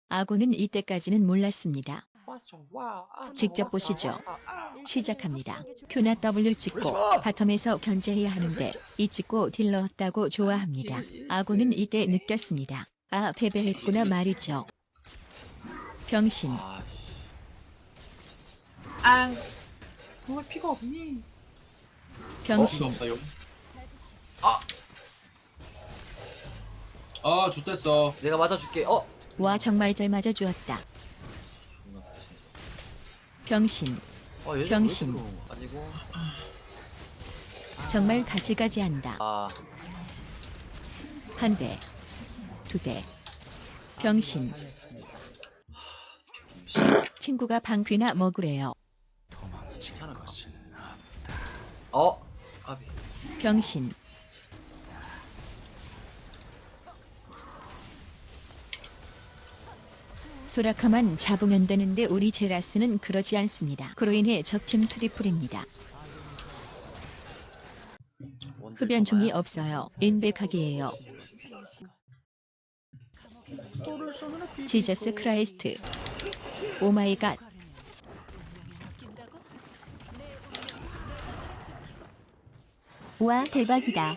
아군은 이때까지는 몰랐습니다. 직접 보시죠. 시작합니다. 큐나 W 찍고 바텀에서 견제해야 하는데 이 찍고 딜러 없다고 좋아합니다. 아군은 이때 느꼈습니다. 아, 패배했구나 말이죠. 병신. 아, 정말 피가 없니? 병신. 없어요. 아, 좋댔어. 내가 맞아줄게. 와, 정말 잘 맞아주었다. 병신. 얘 병신. 가지고. 정말 가지가지 한다. 한 대, 두 대. 병신. 친구가 방귀나 먹으래요. 괜찮을까? 아비. 병신. 소라카만 잡으면 되는데 우리 제라스는 그러지 않습니다. 그로 인해 적팀 트리플입니다. 흡연종이 없어요. 인백하기예요. 지저스 크라이스트. 오마이갓. 와, 대박이다.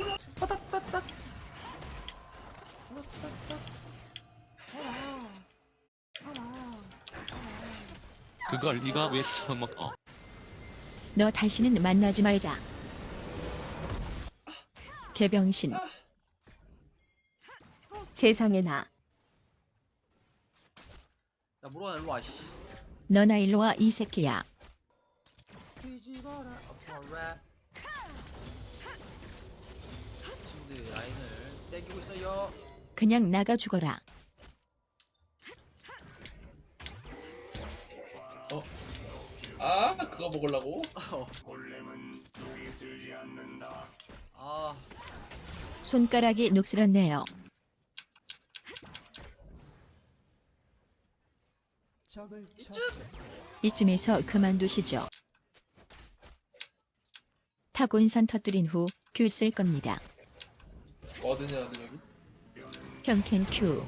그걸 네가 왜 처먹어? 너 다시는 만나지 말자. 개병신. 세상에나. 야, 물어나 일로 와. 씨. 너나 일로와 이 새끼야. 뒤집어라. 친구들이 라인을 땡기고 있어요. 그냥 나가 죽어라. 아, 그거 먹으려고? 손가락이 녹슬었네요. 이쯤에서 그만두시죠. 타곤선 터뜨린 후 큐 쓸 겁니다. 어디냐, 여기? 평캔 큐.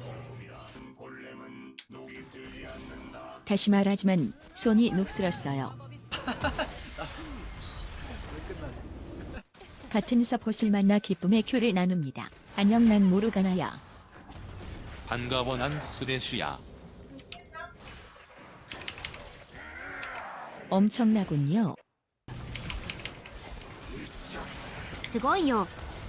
다시 말하지만 손이 녹슬었어요. 같은 서폿을 만나 기쁨의 큐를 나눕니다. 안녕, 난 모르가나야. 반가워, 난 쓰레쉬야. 엄청나군요. すごいよ。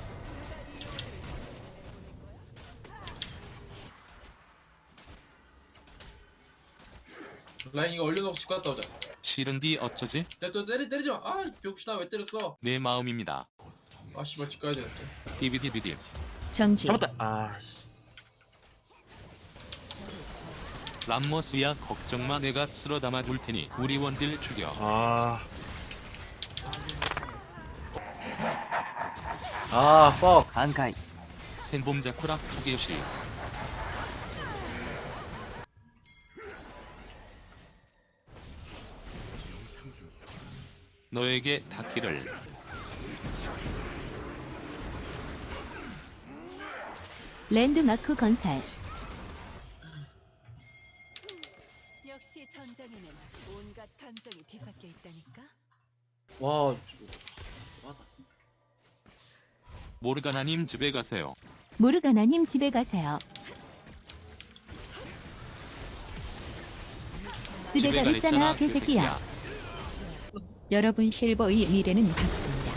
라인 이거 얼려놓고 집 갔다 오자. 싫은디 어쩌지? 야, 또 때리지 마. 아, 병신아, 왜 때렸어? 내 마음입니다. 아, 씨발, 집 가야 되는데. 디비디비디. 정지. 람머스야, 걱정마, 내가 쓸어 담아 둘 테니 우리 원딜 죽여. fuck. 半回 센봄자쿠라 푸게시. 너에게 닿기를. 랜드마크 건설. 역시 전장에는 온갖 감정이 뒤섞여 있다니까. 와, 모르가나님 집에 가세요. 모르가나님 집에 가세요. 집에 가랬잖아, 개새끼야. 여러분, 실버의 미래는 밝습니다.